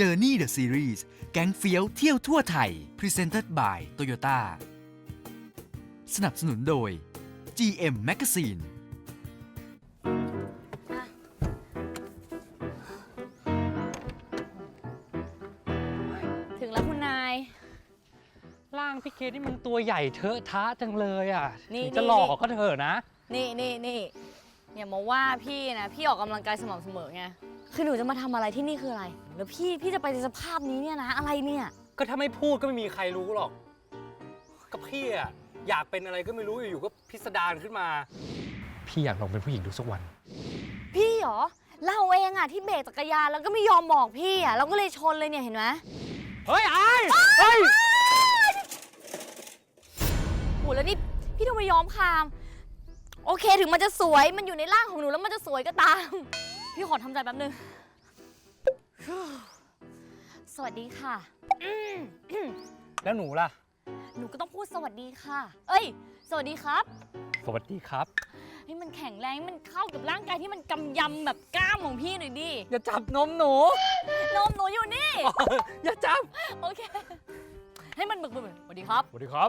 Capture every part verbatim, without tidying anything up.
Journey the Series แก๊งเฟี้ยวเที่ยวทั่วไทย Presented by Toyota สนับสนุนโดย จี เอ็ม Magazine ถึงแล้วคุณนายร่างพี่เคสนี่มันตัวใหญ่เทอะทะจังเลยอ่ะนี่จะหลอกก็เถอะนะนี่นี่นี่อย่ามาว่าพี่นะพี่ออกกำลังกายสม่ำเสมอไงคือหนูจะมาทำอะไรที่นี่คืออะไรแล้วพี่พี่จะไปในสภาพนี้เนี่ยนะอะไรเนี่ยก็ถ้าไม่พูดก็ไม่มีใครรู้หรอกก็พี่อ่ะอยากเป็นอะไรก็ไม่รู้อยู่ๆก็พิสดารขึ้นมา พี่อยากลองเป็นผู้หญิงดูสักวันพี่เหรอเราเองอะที่เบรกจักรยานแล้วก็ไม่ยอมบอกพี่อะเราก็เลยชนเลยเนี่ยเห็นไหมเฮ้ยไอ้เฮ้ยโหแล้วนี่พี่ต้องไปยอมคามโอเคถึงมันจะสวยมันอยู่ในร่างของหนูแล้วมันจะสวยก็ตามพี่ขอทำใจแป๊บนึงสวัสดีค่ะแล้วหนูล่ะหนูก็ต้องพูดสวัสดีค่ะเอ้ยสวัสดีครับสวัสดีครับให้มันแข็งแรงให้มันเข้ากับร่างกายที่มันกำยำแบบกล้ามของพี่หน่อยดิอย่าจับนมหนูนมหนูอยู่นี่อย่าจับโอเคให้มันบึกบึกสวัสดีครับสวัสดีครับ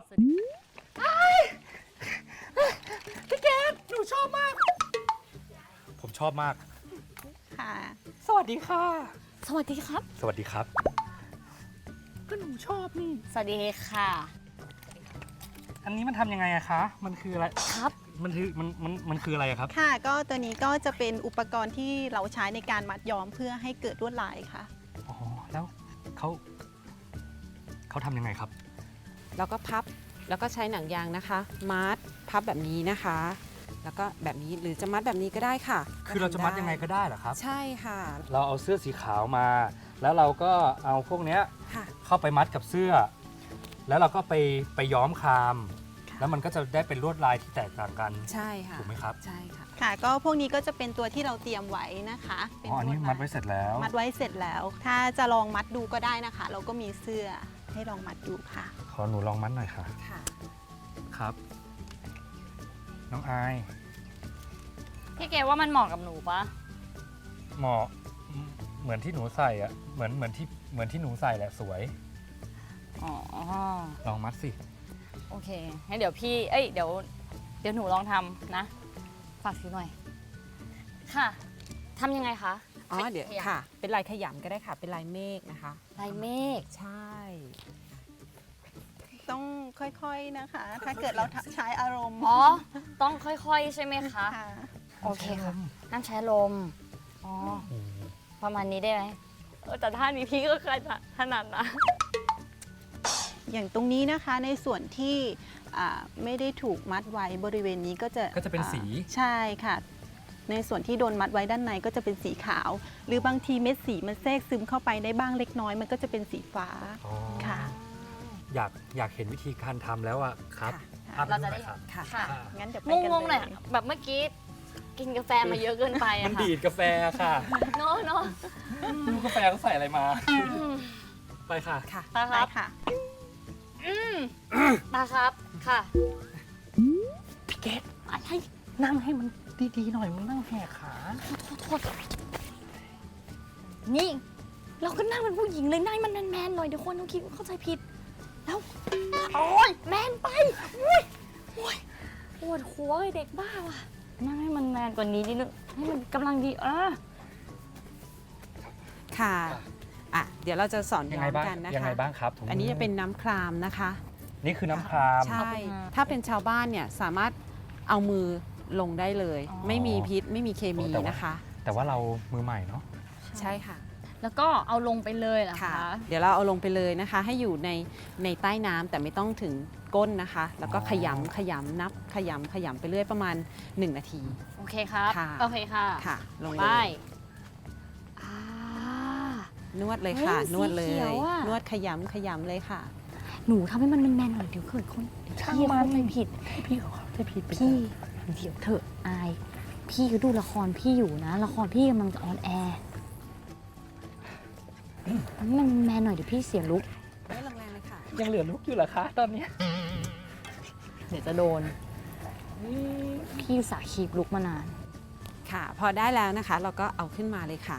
พี่เกดหนูชอบมากผมชอบมากค่ะสวัสดีค่ะสวัสดีครับสวัสดีครับก็หนูชอบนี่สวัสดีค่ะอันนี้มันทำยังไงอะคะมันคืออะไรครับมันคือมันมันมันคืออะไรอะครับค่ะก็ตัวนี้ก็จะเป็นอุปกรณ์ที่เราใช้ในการมัดย้อมเพื่อให้เกิดลวดลายค่ะอ๋อแล้วเขาเขาทำยังไงครับแล้วก็พับแล้วก็ใช้หนังยางนะคะมัดพับแบบนี้นะคะ แล้วก็แบบนี้หรือจะมัดแบบนี้ก็ได้ค่ะคือเราจะมัดยังไงก็ได้เหรอครับใช่ค่ะเราเอาเสื้อสีขาวมา แล้วเราก็เอาพวกเนี้ยค่ะเข้าไปมัดกับเสื้อ แล้วเราก็ไปไปย้อมคามค่ะแล้วมันก็จะได้เป็นลวดลายที่แตกต่างกันใช่ค่ะถูกไหมครับใช่ค่ะค่ะ ก็พวกนี้ก็จะเป็นตัวที่เราเตรียมไว้นะคะเป็อ๋ออันนี้ลวดลายมัดไว้เสร็จแล้วมัดไว้เสร็จแล้ว ถ้าจะลองมัดดูก็ได้นะคะ เราก็มีเสื้อให้ลองมัดดูค่ะขอหนูลองมัดหน่อยค่ะค่ะครับ น้องอายพี่เกว่ามันเหมาะกับหนูปะเหมาะเหมือนที่หนูใส่อะเหมือนเหมือนที่เหมือนที่หนูใส่แหละสวยอ๋อลองมัดสิโอเคงั้นเดี๋ยวพี่เอ้ยเดี๋ยวเดี๋ยวหนูลองทำนะฝากซื้อหน่อยค่ะทำยังไงคะอ๋อเดี๋ยวขำค่ะ เป็นลายขยำก็ได้ค่ะ เป็นลายเมฆนะคะลายเมฆใช่ต้องค่อยๆนะคะ ถ้าเกิดเราใช้อารมณ์อ๋อต้องค่อยๆใช่ไหมคะค่ะโอเคค่ะน้ำใช้ลมอ๋อประมาณนี้ได้ไหมเออแต่ท่านี้พี่ก็เคยถนัดนะอย่างตรงนี้นะคะในส่วนที่อ่าไม่ได้ถูกมัดไว้บริเวณนี้ก็จะก็จะเป็นสีอ่าใช่ค่ะ ในส่วนที่โดนมัดไว้ด้านในก็จะเป็นสีขาว หรือบางทีเม็ดสีมันแทรกซึมเข้าไปได้บ้างเล็กน้อยมันก็จะเป็นสีฟ้าอ๋อค่ะอยากอยากเห็นวิธีการทำแล้วอะครับค่ะอัพเราจะหได้น่อยครับค่ะค่ะอ่างั้นเดี๋ยวไปงกันงงๆหน่อยเลยแบบเมื่อกี้กินกาแฟมาเยอะเกินไปมัอะนค่ะดีดกาแฟค่ะเนาะเนาะรู้กาแฟเขาใส่อะไรมา ไปค่ะค่ะตาคไปรับค่ะอืมตาครับค่ะพี่เกดอะไรนั่งให้มันดีๆหน่อยมึงนั่งแหกขาโทษโทษนี่ เราก็นั่งเป็นผู้หญิงเลยนั่งมันแมนๆหน่อยเดี๋ยวคนเขาคิดเข้าใจผิด แล้วโอ้ยแมนไปอุ้ยโอ้ยปวดหัวเลยเด็กบ้าว่ะนั่งให้มันแมนกว่านี้นิดนึงให้มันกำลังดีเออค่ะอ่ะ เดี๋ยวเราจะสอนยังย้ไงอมบ้างกันนะยังไงคะบ้างครับถุงมือันนี้จะเป็นน้ำครามนะคะนี่คือน้ำครามใช่ขอบคุณค่ะถ้าเป็นชาวบ้านเนี่ยสามารถเอามือลงได้เลยอ๋อไม่มีพิษไม่มีเคมีแต่ว่านะคะแต่ว่าเรามือใหม่เนาะใช่ค่ะแล้วก็เอาลงไปเลยเหรอค่ะคะเดี๋ยวเราเอาลงไปเลยนะคะ ให้อยู่ในในใต้น้ำแต่ไม่ต้องถึงก้นนะคะ แล้วก็ขยำขยำนับขยำขยำไปเรื่อยประมาณหนึ่งนาทีโอเคครับค่ะโอเคค่ะค่ะ ลงไปเลยอ่านวดเลยค่ะเฮ้ยนวดเลสีเขียยวอะนวดขยำขยำเลยค่ะหนูทำให้มันแมนๆหน่อยเดี๋ยวเกิดคนเดี๋ยวพี่เข้าใจผิดพี่เขาเข้าใจผิดไปพี่เดี๋ยวเถอะอาย พี่ก็ดูละครพี่อยู่นะ ละครพี่กำลังจะออนแอร์มันแมนหน่อยเดี๋ยวพี่เสียลุกไม่แรงๆเลยค่ะยังเหลือลุกอยู่เหรอคะตอนนี้เดี๋ยวจะโดน พี่อุตสาห์คีบลุกมานานค่ะ พอได้แล้วนะคะ เราก็เอาขึ้นมาเลยค่ะ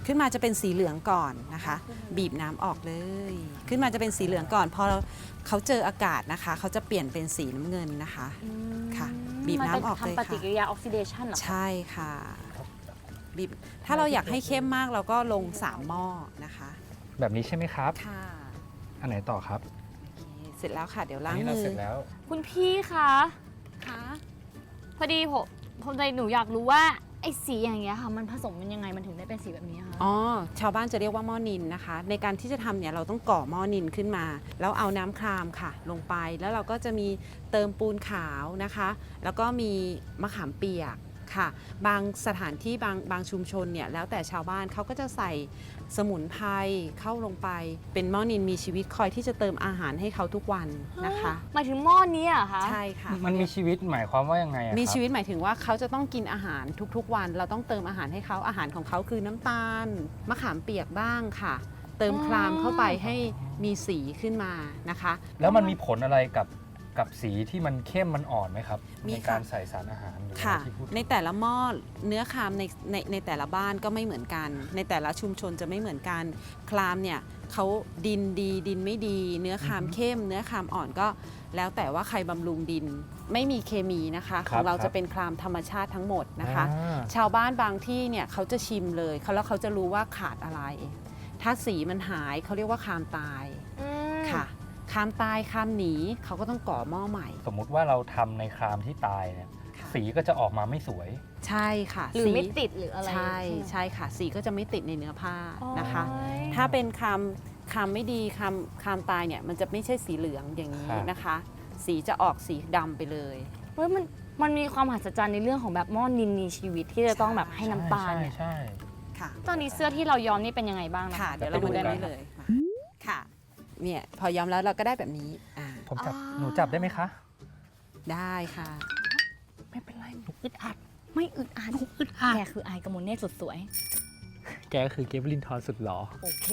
ขึ้นมาจะเป็นสีเหลืองก่อนนะคะ บีบน้ำออกเลย ขึ้นมาจะเป็นสีเหลืองก่อนพอเขาเจออากาศนะคะเขาจะเปลี่ยนเป็นสีน้ำเงินนะคะ ค่ะบีบน้ำออกเลยมันเป็นทำปฏิกิค่ะริยาออกซิเดชันเหรอคะใช่ค่ะบีบถ้าเราอยากให้เข้มมากเราก็ลงสามหม้อนะคะแบบนี้ใช่ไหมครับค่ะอันไหนต่อครับโอเคเสร็จแล้วค่ะเดี๋ยวล้างอันนี้เรามือเสร็จแล้วคุณพี่คะค่ะพอดีผมผมใจหนูอยากรู้ว่าไอ้สีอย่างเงี้ยค่ะ มันผสมมันยังไงมันถึงได้เป็นสีแบบนี้คะอ๋อชาวบ้านจะเรียกว่าหม้อนิลนะคะ ในการที่จะทำเนี่ยเราต้องก่อหม้อนิลขึ้นมา แล้วเอาน้ำครามค่ะ ลงไปแล้วเราก็จะมีเติมปูนขาวนะคะ แล้วก็มีมะขามเปียกค่ะ บางสถานที่บางบางชุมชนเนี่ยแล้วแต่ชาวบ้านเขาก็จะใส่สมุนไพรเข้าลงไป เป็นหม้อนิลมีชีวิตคอยที่จะเติมอาหารให้เขาทุกวันนะคะหมายถึงหม้อนี้เหรอะคะใช่ค่ะมันมีชีวิตหมายความว่ายังไงอะครับมีชีวิตหมายถึงว่าเขาจะต้องกินอาหารทุกๆวัน เราต้องเติมอาหารให้เขาอาหารของเขาคือน้ำตาลมะขามเปียกบ้างค่ะ เติมครามเข้าไปให้มีสีขึ้นมานะคะแล้วมันมีผลอะไรกับกับสีที่มันเข้มมันอ่อนไหมครับมีในค่ะการใส่สารอาหารหรือค่ะว่าที่พูดในแต่ละหม้อเนื้อครามในในในแต่ละบ้านก็ไม่เหมือนกัน ในแต่ละชุมชนจะไม่เหมือนกันครามเนี่ยเขาดินดีดินไม่ดี เนื้อครามเข้ม เนื้อครามอ่อนก็แล้วแต่ว่าใครบำรุงดิน ไม่มีเคมีนะคะของเราจะเป็นครามธรรมชาติทั้งหมดนะคะอ่าชาวบ้านบางที่เนี่ยเขาจะชิมเลยเขาแล้วเขาจะรู้ว่าขาดอะไร ถ้าสีมันหายเขาเรียกว่าครามตายอืมค่ะครามตายครามหนีเขาก็ต้องก่อหม้อใหม่สมมุติว่าเราทำในครามที่ตายเนี่ยค่ะสีก็จะออกมาไม่สวยใช่ค่ะหรือสีไม่ติดหรืออะไรใช่ไหมใช่ค่ะ สีก็จะไม่ติดในเนื้อผ้านะคะโอ๊ยถ้าเป็นคำคำไม่ดีคำคำตายเนี่ยมันจะไม่ใช่สีเหลืองอย่างนี้ครับนะคะ สีจะออกสีดำไปเลยเฮ้ยมันมันมีความมหัศจรรย์ในเรื่องของแบบหม้อนินมีชีวิตที่จะต้องแบบให้น้ำตาลใช่เนี่ยใช่ค่ะตอนนี้เสื้อที่เราย้อมนี่เป็นยังไงบ้างนะค่ะคะเดี๋ยวเรามาดูได้เลยมาค่ะเนี่ยพอย้อมแล้วเราก็ได้แบบนี้อ่าผมจับหนูจับได้ไหมคะได้ค่ะไม่เป็นไรหนูอึดอัดไม่อึดอัดอึดอัดแกคืออายกมลเนตรสุดสวยแกก็คือเกฟลินทอนสุดหรอโอเค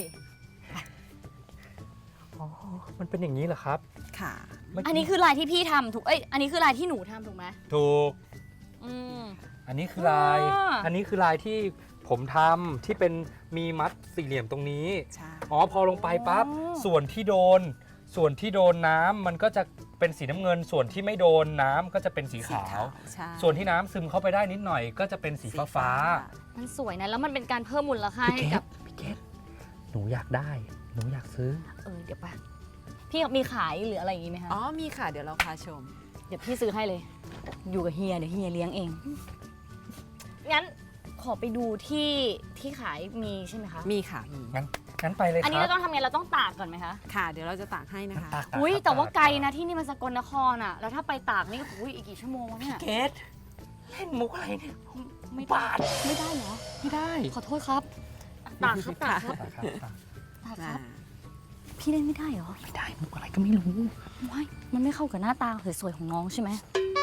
อ๋อ มันเป็นอย่างนี้เหรอครับค่ะเมื่กี้อันนี้คือลายที่พี่ทำถูก เอ้ย อันนี้คือลายที่หนูทำถูกไหมถูกอืมอันนี้คือลายอ่าอันนี้คือลายที่ผมทำที่เป็นมีมัดสี่เหลี่ยมตรงนี้ใช่อ๋อ พอลงไปปั๊บ ส่วนที่โดน ส่วนที่โดนน้ำมันก็จะเป็นสีน้ำเงิน ส่วนที่ไม่โดนน้ำก็จะเป็นสีขาวใช่ส่วนที่น้ำซึมเข้าไปได้นิดหน่อย ก็จะเป็นสีฟ้าฟ้ามันสวยนะ แล้วมันเป็นการเพิ่มมูลค่าพี่ให้เกกัดบพี่เกดหนูอยากได้ หนูอยากซื้อเออ เดี๋ยวไปะพี่มีขายหรืออะไรอย่างงี้ไหมคะอ๋อมีค่ะเดี๋ยวเราพาชมเดี๋ยวพี่ซื้อให้เลย อยู่กับเฮีย เดี๋ยวเฮียเลี้ยงเอง งั้นขอไปดูที่ที่ขายมีใช่ไหมคะมีค่ะมีงั้น งั้นไปเลยคอันนี้รัเราบต้องทำไง เราต้องตากก่อนไหมคะค่ะ เดี๋ยวเราจะตากให้นะคะตากๆอุ้ยครับแต่ว่าตไกลนะที่นี่มันสกลนครอ่ะ แล้วถ้าไปตากนี่อุ้ยอีกกี่ชั่วโมงวะเนี่ยเกดเล่นมุกอะไรเนี่ยไม่บาทไม่ได้เหรอไม่ได้ขอโทษครับ ตากครับตากครับตากครับตากตากคอ่ารับ พี่เล่นไม่ได้เหรอไม่ได้มุกอะไรก็ไม่รู้ว้ายมันไม่เข้ากับหน้าตาสวยๆของน้องใช่ไหม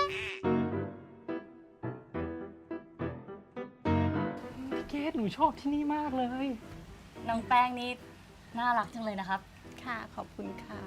พี่เกดหนูชอบที่นี่มากเลยน้องแป้งนี่น่ารักจังเลยนะครับค่ะ ขอบคุณค่ะ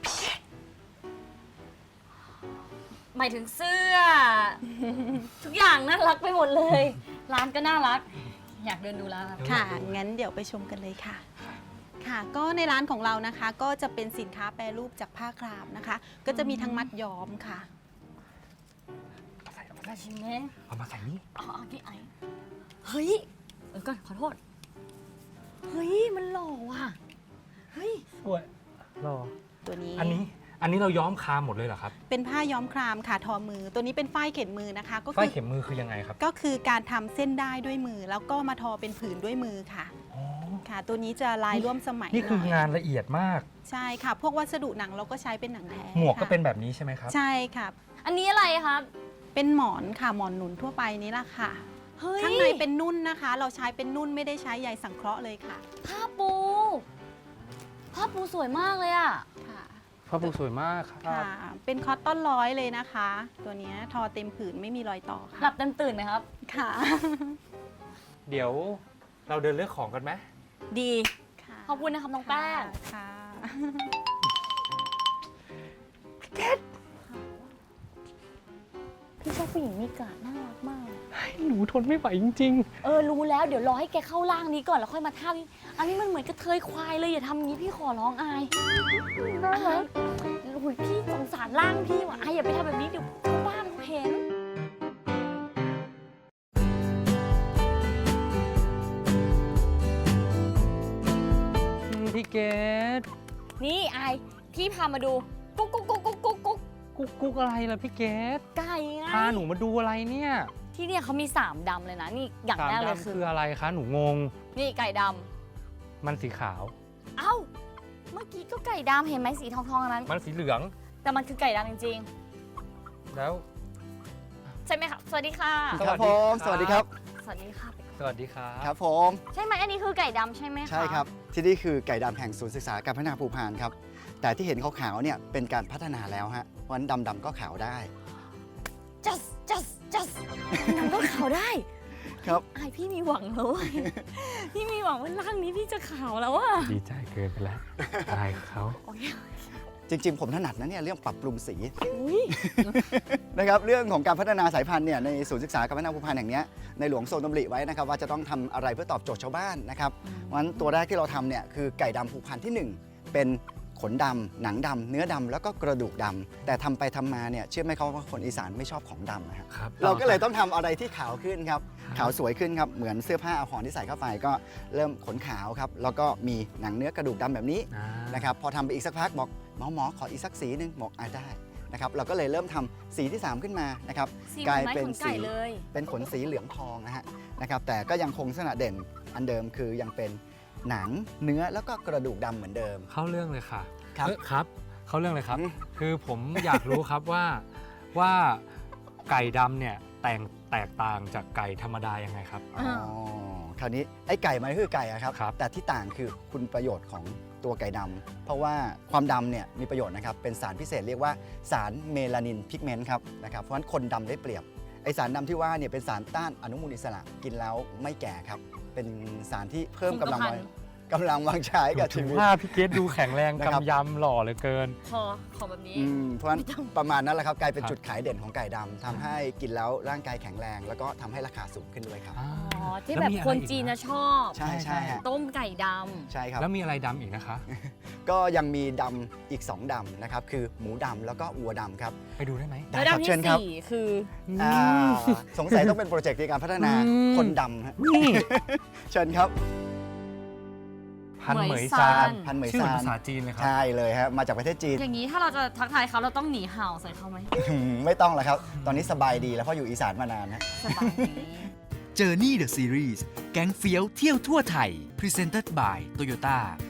หมายถึงเสื้อ ทุกอย่างน่ารักไปหมดเลย ร้านก็น่ารัก อยากเดินดูร้านครับค่ะ งั้นเดี๋ยวไปชมกันเลยค่ะ ค่ะ ก็ในร้านของเรานะคะ ก็จะเป็นสินค้าแปรรูปจากผ้าครามนะคะ ก็จะมีทั้งมัดย้อมค่ะเอามาใส่เอามามาใส่ชิมไหมเอามาใส่นี่อ๋อโอเคไอเฮ้ย เออก่อนขอโทษ เฮ้ย มันหล่อว่ะ เฮ้ยสวยรอตัวนี้อันนี้ อันนี้เราย้อมคามหมดเลยเหรอครับเป็นผ้าย้อมครามค่ะทอมือ ตัวนี้เป็นฝ้ายเข็มมือนะคะ ก็ฝ้าคืยอเข็มมือคือยังไงครับก็คือการทำเส้นได้ด้วยมือ แล้วก็มาทอเป็นผืนด้วยมือค่ะอ๋อค่ะ ตัวนี้จะลายร่วมสมัยนี่คือหยงานละเอียดมากใช่ค่ะ พวกวัสดุหนังเราก็ใช้เป็นหนังแท้หมวกก็ค่ะเป็นแบบนี้ใช่ไหมครับใช่ค่ะอันนี้อะไรครับเป็นหมอนค่ะ หมอนหนุนทั่วไปนี่แหละค่ะเฮ้ยข้างในเป็นนุ่นนะคะ เราใช้เป็นนุ่นไม่ได้ใช้ใยสังเคราะห์เลยค่ะผ้าปู ผ้าปูสวยมากเลยอะค่ะพระปูสวยมากครับค่ะ เป็นคอตตอนร้อยเลยนะคะ ตัวเนี้ยทอเต็มผืนไม่มีรอยต่อหลัค่ะบเต็มตื่นไหมครับค่ะเดี๋ยวเราเดินเลือกของกันไหมดีค่ะขอบคุณนะครับน้องแป้งค่ะพพี่ชอบผู้หญิงมีกาดน่ารักมากหนูทนไม่ไหวจริงเออรู้แล้วเดี๋ยวรอให้แกเข้าร่างนี้ก่อนแล้วค่อยมาท่านี้อันนี้มันเหมือนกระเทยควายเลยอย่าทำอย่างนี้พี่ขอร้องอายได้ไหมโอ้ยพี่สงสารร่างพี่ว่ะอายอย่าไปทำแบบนี้เดี๋ยวชาวบ้านเขาเห็นๆ พี่เกดนี่อายพี่พามาดูกุ๊กกุ๊กกุ๊กกุ๊กกุ๊กกุ๊กกุ๊กกุ๊กอะไรล่ะพี่เกดไก่ไงพาหนูมาดูอะไรเนี่ยที่เนี่ยเขามีสามดำเลยนะนี่อย่างสามแรกเลยดำคือคืออะไรคะหนูงงนี่ไก่ดมันสีขาวำเอ้าเมื่อกี้ก็ไก่ดำเห็นไหมสีทองๆอันนั้นมันสีเหลืองแต่มันคือไก่ดำจริงแล้วๆ ใช่ไหมครับสวัสดีค่ะสวัสดีครับผมสวัสดีครับสวัสดีค่ะสวัสดีครับครับผมใช่ไหมอันนี้คือไก่ดำใช่ไหมคะใช่ครับ ที่นี่คือไก่ดำแห่งศูนย์ศึกษาการพัฒนาภูพานครับ แต่ที่เห็นขาวๆเนี่ยเป็นการพัฒนาแล้วฮะเพราะฉะนั้นดำๆก็ขาวได้จัสจัสจัสน้ำก็ขาวได้ครับอายพี่มีหวังแล้วเว้ย พี่มีหวังว่าร่างนี้พี่จะขาวแล้วอะดีใจเกินไปแล้วอายเขาโอเคจริงๆ ผมถนัดนะเนี่ยเรื่องปรับปรุงสีอุ้ยนะครับเรื่องของการพัฒนาสายพันธุ์เนี่ยในศูนย์ศึกษาการพัฒนาภูพานแห่งเนี้ยในหลวงทรงดำริไว้นะครับว่าจะต้องทำอะไรเพื่อตอบโจทย์ชาวบ้านนะครับเพราะฉะนั้นตัวแรกที่เราทำเนี่ยคือไก่ดำภูพานที่หนึ่งเป็นขนดำหนังดำเนื้อดำแล้วก็กระดูกดำแต่ทำไปทำมาเนี่ยเชื่อไหมครับว่าคนอีสานไม่ชอบของดำนะฮะครับเราก็เลยต้องทำอะไรที่ขาวขึ้นครับขาวสวยขึ้นครับเหมือนเสื้อผ้าอาภรณ์ที่ใส่เข้าไปก็เริ่มขนขาวครับแล้วก็มีหนังเนื้อกระดูกดำแบบนี้อ่านะครับพอทำไปอีกสักพักบอกหมอหมอขออีกสักสีหนึ่งบอกอ่าได้นะครับเราก็เลยเริ่มทำสีที่ สาม ขึ้นมานะครับสีกลายไม้เป็นขนสีไก่เลยเป็นขนสีเหลืองทองนะฮะนะครับแต่ก็ยังคงลักษณะเด่นอันเดิมคือยังเป็นหนังเนื้อแล้วก็กระดูกดำเหมือนเดิมเข้าเรื่องเลยค่ะครับเอ้ยครับ เข้าเรื่องเลยครับอืมคือผมอยากรู้ครับว่าว่าไก่ดำเนี่ยแต่งแตกต่างจากไก่ธรรมดายังไงครับอ๋อคราวนี้ไอ้ไก่มันก็คือไก่อะครับครับแต่ที่ต่างคือคุณประโยชน์ของตัวไก่ดำเพราะว่าความดำเนี่ยมีประโยชน์นะครับเป็นสารพิเศษเรียกว่าสารเมลานินพิกเมนต์ครับนะครับเพราะฉะนั้นคนดำได้เปรียบไอสารดำที่ว่าเนี่ยเป็นสารต้านอนุมูลอิสระกินแล้วไม่แก่ครับเป็นสารที่เพิ่มกำลังวังกำลังวังใช้กับถึชีงวิตว่าพี่เกดดูแข็งแรงนะครับกำยำหล่อเหลือเกินพอขอแบบนี้อืมเพราะฉะนั้นประมาณนั้นแหละครับกลายเป็นครับจุดขายเด่นของไก่ดำทำให้กินแล้วร่างกายแข็งแรง แล้วก็ทำให้ราคาสูงขึ้นด้วยครับอ่าอ๋อ ที่ล้วแบบมีอคนไรอีกจีนนะจะชอบใช่ใช่ฮะต้มไก่ดใช่ครับแล้วมีอะไรดำอีกนะคะก็ยังมีดำอีก สอง ดำนะครับ คือหมูดำแล้วก็วัวดำครับไปดูได้ไหมำได้แล้วครับดำเชิที่ญครับสี่คืออ่าสงสัยต้องเป็นโปรเจกต์ในการพัฒนาอืมคนดำฮะนี่เชิญครับพันเหมยเหมยซาซานพันเหมยชื่อเหมือนซานภาษาจีนเลยครับใช่เลยฮะมาจากประเทศจีนอย่างนี้ถ้าเราจะทักทายเขาเราต้องหนีเห่าใส่เขาไหมไม่ต้องแล้วครับ ตอนนี้สบายดีแล้วเพราะอยู่อีสานมานานนะสบายดี Journey the Series แก๊งเฟี้ยวเที่ยวทั่วไทย Presented by Toyota